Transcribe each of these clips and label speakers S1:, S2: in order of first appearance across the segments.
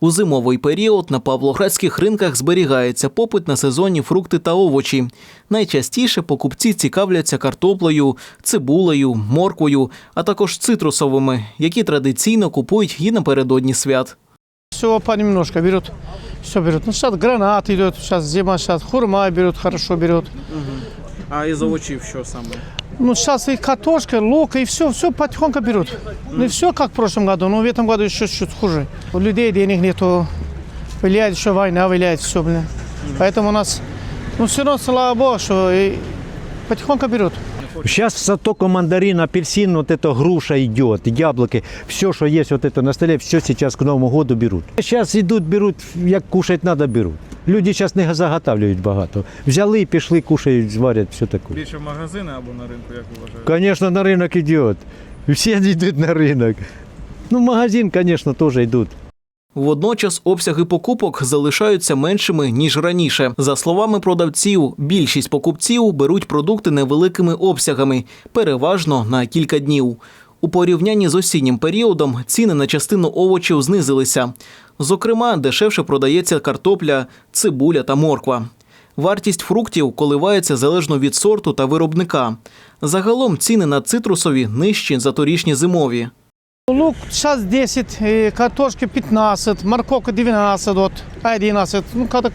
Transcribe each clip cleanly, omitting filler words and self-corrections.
S1: У зимовий період на павлоградських ринках зберігається попит на сезонні фрукти та овочі. Найчастіше покупці цікавляться картоплею, цибулею, морквою, а також цитрусовими, які традиційно купують і напередодні свят.
S2: Все понемножку берут, все берут. Ну, сейчас гранат идет, сейчас зима, сейчас хурма берут, хорошо берут.
S3: А із овочів що саме?
S2: Ну, сейчас и картошка, лук, и все потихоньку берут. Не все как в прошлом году, но в этом году еще чуть хуже. У людей денег нету, влияет еще война, влияет все, блин. Поэтому у нас, ну, все равно, слава Богу, что и потихоньку берут.
S4: Сейчас только мандарин, апельсин, вот это груша идет, яблоки, все, что есть вот это на столе, все сейчас к Новому году берут. Сейчас идут, берут, як кушать надо, берут. Люди зараз не заготавлюють багато. Взяли, пішли, кушають, зварять, все таке.
S3: Більше в магазини або на ринку, як ви вважаєте?
S4: Звісно, на ринок йде. Всі йдуть на ринок. Ну, в магазин, звісно, теж йдуть.
S1: Водночас обсяги покупок залишаються меншими, ніж раніше. За словами продавців, більшість покупців беруть продукти невеликими обсягами, переважно на кілька днів. У порівнянні з осіннім періодом ціни на частину овочів знизилися. Зокрема, дешевше продається картопля, цибуля та морква. Вартість фруктів коливається залежно від сорту та виробника. Загалом ціни на цитрусові нижчі за торішні зимові.
S2: Лук сейчас 10, картошки 15, морковка 12, вот, 11. Ну, как.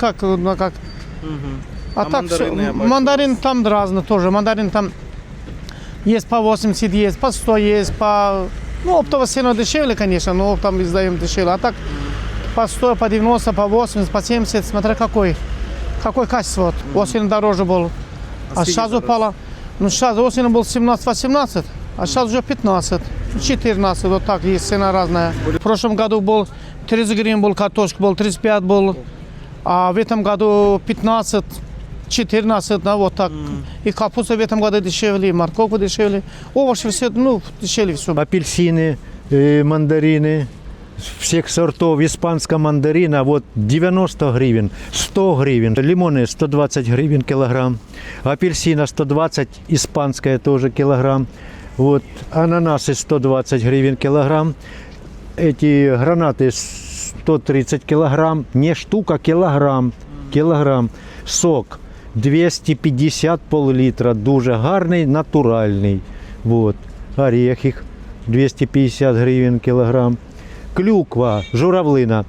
S2: А так
S3: мандарины,
S2: всё,
S3: я бачу,
S2: мандарин там разный тоже. Мандарин там есть по 80, есть по 100, есть по... Ну, оптово сильно дешевле, конечно, но оптом издаем дешевле. А так по 100, по 90, по 80, по 70, смотря какое качество. Вот. Осенью дороже был. А сейчас упало. Ну, сейчас осенью был 17-18, а сейчас уже 15. 14, вот так, есть цена разная. В прошлом году был 30 гривен, был картошка, был 35, был, а в этом году 15, 14, да, вот так. И капуста в этом году дешевле, и морковка дешевле, овощи все, ну, дешевле все.
S4: Апельсины, мандарины всех сортов, испанская мандарина, вот 90 гривен, 100 гривен, лимоны 120 гривен килограмм, апельсина 120, испанская тоже килограмм. Вот, ананасы 120 гривен килограмм, эти гранаты 130 килограмм, не штука, килограмм. Сок 250 пол-литра, дуже гарний, натуральний. Вот, орехи 250 гривен килограмм, клюква, журавлина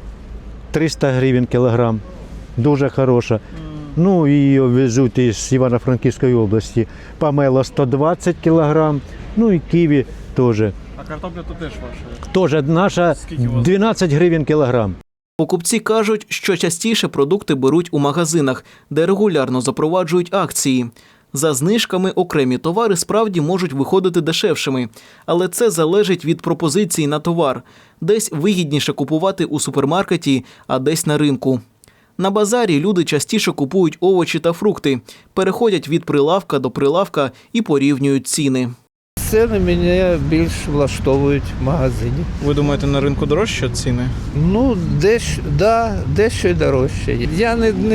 S4: 300 гривен килограмм, дуже хороша. Ну, її везуть із Івано-Франківської області. Помело 120 кілограм, ну і ківі теж.
S3: А картопля то теж ваша?
S4: Теж наша 12 гривень кілограм.
S1: Покупці кажуть, що частіше продукти беруть у магазинах, де регулярно запроваджують акції. За знижками окремі товари справді можуть виходити дешевшими, але це залежить від пропозиції на товар. Десь вигідніше купувати у супермаркеті, а десь на ринку. На базарі люди частіше купують овочі та фрукти, переходять від прилавка до прилавка і порівнюють ціни.
S5: Ціни мене більш влаштовують в магазині.
S3: Ви думаєте, на ринку дорожче ціни?
S5: Ну, дещо й дорожче. Я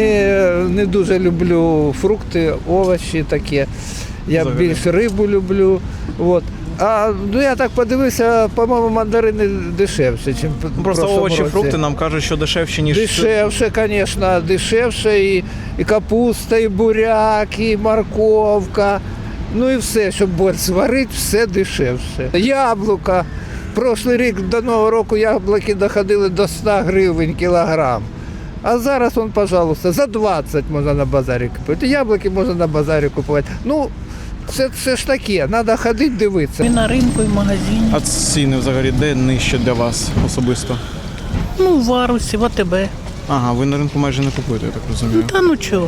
S5: не дуже люблю фрукти, овочі таке. Я
S3: Взагалі.
S5: більш рибу люблю. От. А ну я так подивився, по-моєму, мандарини дешевше, ніж в
S3: Просто
S5: прошлому
S3: овочі,
S5: році.
S3: фрукти нам кажуть, що дешевші, ніж...
S5: Дешевше, звісно, дешевше і капуста, і буряк, і морковка. Ну і все, щоб борщ сварити, все дешевше. Яблука. Прошлий рік до Нового року яблуки доходили до 100 гривень кілограм. А зараз, пожалуйста, за 20 можна на базарі купити. Яблуки можна на базарі купувати. Ну, це ж таке, треба ходити, дивитися.
S6: І на ринку, і в магазині.
S3: А ціни взагалі де нижче для вас особисто?
S6: Ну, в Варусі, в АТБ.
S3: Ага, ви на ринку майже не купуєте, я так розумію.
S6: Та ну чого.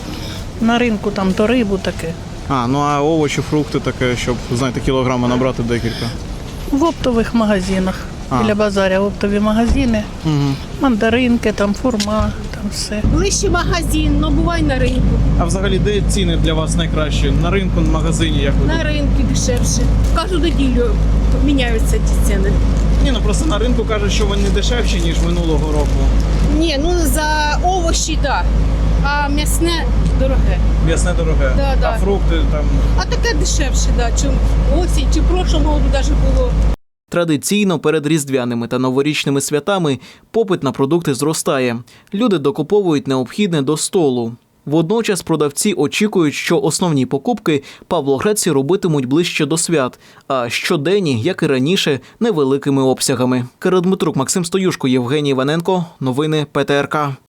S6: На ринку там то рибу таке.
S3: А, ну а овочі, фрукти таке, щоб, знаєте, кілограми набрати декілька.
S6: В оптових магазинах.
S3: А.
S6: Біля базаря оптові магазини.
S3: Угу.
S6: Мандаринки, там фурма, там все.
S7: Ближче магазин, але буває на ринку.
S3: А взагалі де ціни для вас найкращі? На ринку, на магазині, як ви
S7: На
S3: думаєте?
S7: ринку дешевше. Кожну неділю міняються ті ціни.
S3: Ні, ну просто на ринку кажуть, що вони дешевші, ніж минулого року.
S7: Ні, ну за овочі, так. А м'ясне дороге.
S3: М'ясне дороге.
S7: Да, да.
S3: А фрукти там.
S7: А таке дешевше, чим осінь, чи в прошлому році навіть було.
S1: Традиційно перед різдвяними та новорічними святами попит на продукти зростає. Люди докуповують необхідне до столу. Водночас продавці очікують, що основні покупки павлоградці робитимуть ближче до свят, а щоденні, як і раніше, невеликими обсягами. Кирил Дмитрук, Максим Стоюшко, Євгеній Іваненко. Новини ПТРК.